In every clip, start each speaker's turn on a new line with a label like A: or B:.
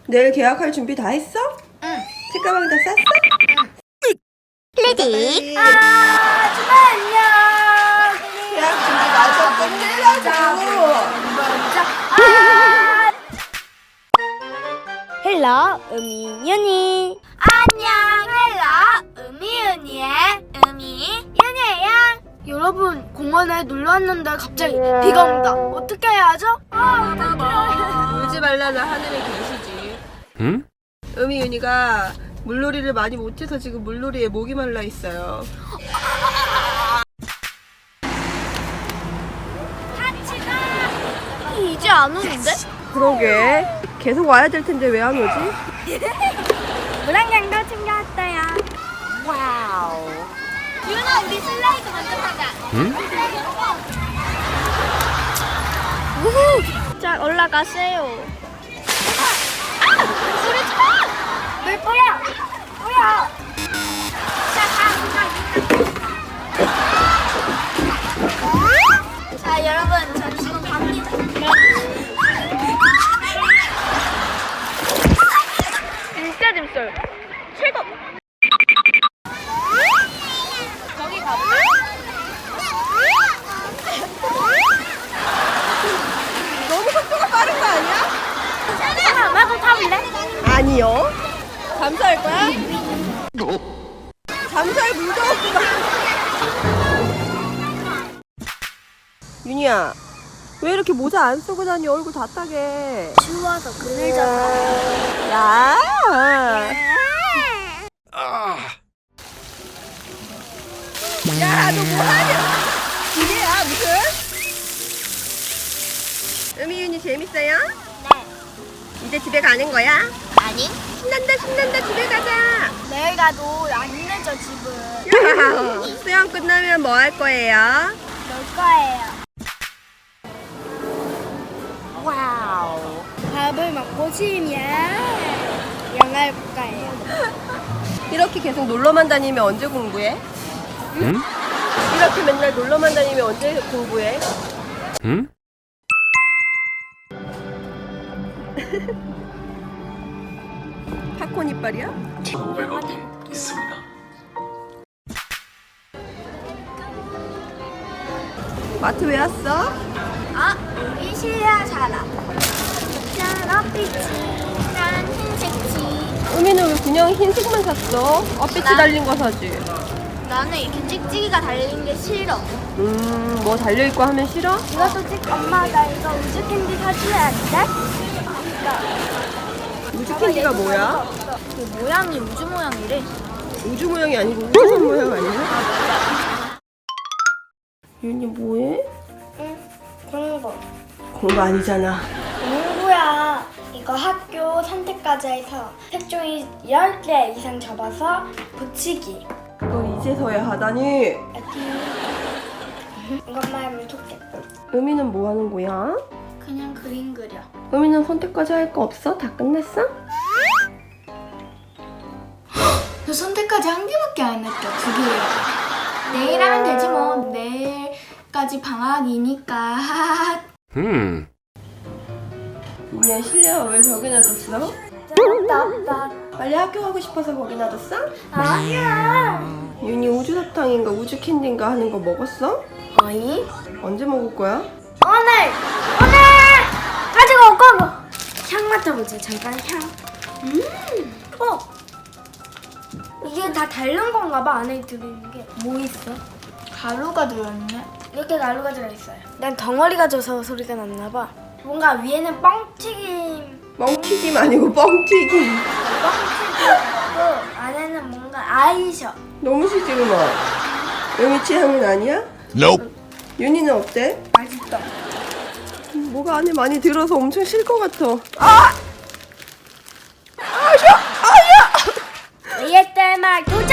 A: 내일 계약할 준비 다 했어?
B: 응.
A: 책가방 다 쌌어?
B: 응. 레디. 주말 안녕.
A: 계약 준비 마저 끝내라고.
B: 헬로 음이윤이. 안녕. 헬로 음이윤이의 음이윤이에요. 여러분, 공원에 놀러 왔는데 갑자기 비가 온다. 어떻게 해야 하죠? 어떡해.
A: 울지 말라는 하늘에 계시지.
C: 응?
A: 음이윤이가 물놀이를 많이 못해서 지금 물놀이에 목이 말라 있어요.
B: 이제 안 오는데?
A: 그러게. 계속 와야 될 텐데 왜 안 오지?
B: 물안경도 챙겨왔어요. 와우. 유나, 우리 슬라이드 먼저 타자.
C: 응?
B: 우후. 자, 올라가세요. 소리지 마! 왜 뭐야? 뭐야? 자, 여러분, 저 지금 갑니다. 진짜 재밌어요. 최고. 거기 가볼래?
A: 너무 속도가 빠른 거 아니야?
B: 나도 타볼래?
A: 아니요. 잠수할 거야? 잠수할 물도 없구만. 윤희야, 왜 이렇게 모자 안 쓰고 다니? 얼굴 다 따게.
B: 추워서 그늘 져서.
A: 야. 야, 너 뭐하냐? 기계야, 무슨? 음이윤이 재밌어요?
B: 네.
A: 이제 집에 가는 거야?
B: 아니?
A: 신난다, 신난다, 집에 가자.
B: 내일 가도 안 늦어, 집은.
A: 야, 수영 끝나면 뭐 할 거예요?
B: 놀 거예요. 와우. 밥을 먹고 쉬면 영화를 볼 거예요.
A: 이렇게 계속 놀러만 다니면 언제 공부해?
C: 응?
A: 이렇게 맨날 놀러만 다니면 언제 공부해?
C: 응?
A: 팝콘 이빨이야?
C: 1,500원이 있습니다.
A: 마트 왜 왔어?
B: 우리 실야 살아. 난 흰색지.
A: 우미는 왜 그냥 흰색만 샀어? 엇빛이 달린 거 사지.
B: 나는 이렇게 찍찍이가 달린 게 싫어.
A: 뭐 달려있고 하면 싫어?
B: 이것도 찍. 엄마, 나 이거 우주 캔디 사줘야 돼?
A: 우주 캔디가 뭐야?
B: 그 모양이 우주 모양이래.
A: 우주 모양이 아니고 우주선 모양 아니야? 윤이 뭐해?
B: 응, 공부.
A: 공부 아니잖아.
B: 공부야. 이거 학교 선택까지 해서 색종이 10개 이상 접어서 붙이기.
A: 그걸 이제서야 하다니.
B: 이것만 하면 좋겠다.
A: 음이는 뭐 하는 거야?
B: 그냥 그림 그려.
A: 음이는 선택까지 할 거 없어? 다 끝냈어?
B: 저 선택까지 한 개밖에 안 했다. 2개. 내일 하면 되지 뭐. 내일까지 방학이니까.
A: 윤이야, 실내화 왜 저기 놔뒀어?
B: 나
A: 빨리 학교 가고 싶어서 거기 놔뒀어?
B: 아니야.
A: 윤이 우주 사탕인가 우주 캔디인가 하는 거 먹었어?
B: 아니?
A: 언제 먹을 거야?
B: 오늘 가지고 올 거고. 향 맡아보자. 잠깐 향. 이게 다 다른 건가 봐. 안에 들어있는 게. 뭐 있어? 가루가 들어있네. 이렇게 가루가 들어있어요. 난 덩어리가 져서 소리가 났나 봐. 뭔가 위에는 뻥튀김.
A: 뻥튀김 아니고 뻥튀김.
B: 뻥튀김이고 안에는 뭔가 아이셔.
A: 너무 시지 음아. 음이 취향은 아니야?
C: Nope.
A: 윤이는 어때?
B: 맛있다.
A: 뭐가 안에 많이 들어서 엄청 실 것 같아.
B: ASMR 도전!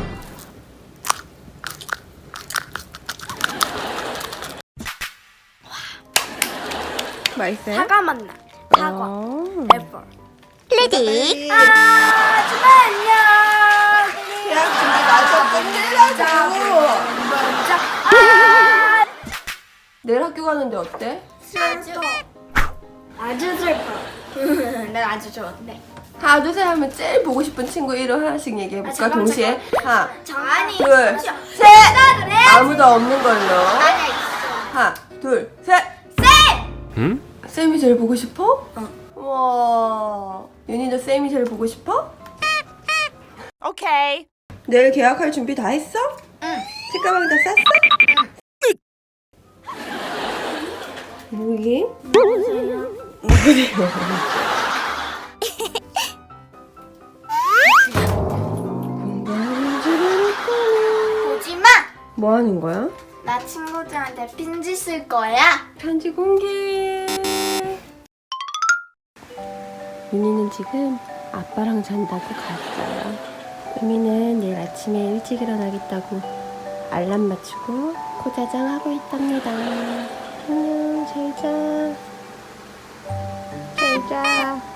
A: 맛있어요?
B: 사과 맛나. 사과. 애플.
A: 레디.
B: 주말 안녕.
A: 계약 준비 마저 끝내라고.
B: 먼저.
A: 내일 학교 가는데 어때?
B: 슬퍼. 아주 슬퍼. 난 아주 좋은데.
A: 하나 둘 셋 하면 제일 보고 싶은 친구 이름 하나씩 얘기해볼까? 동시에 하나
B: 정한이.
A: 둘 셋. 아무도 없는 걸로.
B: 아니야 있어.
A: 하나 둘 셋.
C: 응?
A: 쌤이 제일 보고 싶어? 와. 윤희도 쌤이 제일 보고 싶어?
D: 오케이.
A: 내일 계약할 준비 다 했어?
B: 응.
A: 책가방 다 쌌어? 뭐게? 누구세요? 공부하는 줄 알았더니.
B: 보지 마.
A: 뭐 하는 거야?
B: 나 친구들한테 편지 쓸 거야.
A: 편지 공개. 윤희는 지금 아빠랑 잔다고 갔어요. 의미는 내일 아침에 일찍 일어나겠다고 알람 맞추고 코자장 하고 있답니다. 안녕, 잘 자. 잘 자.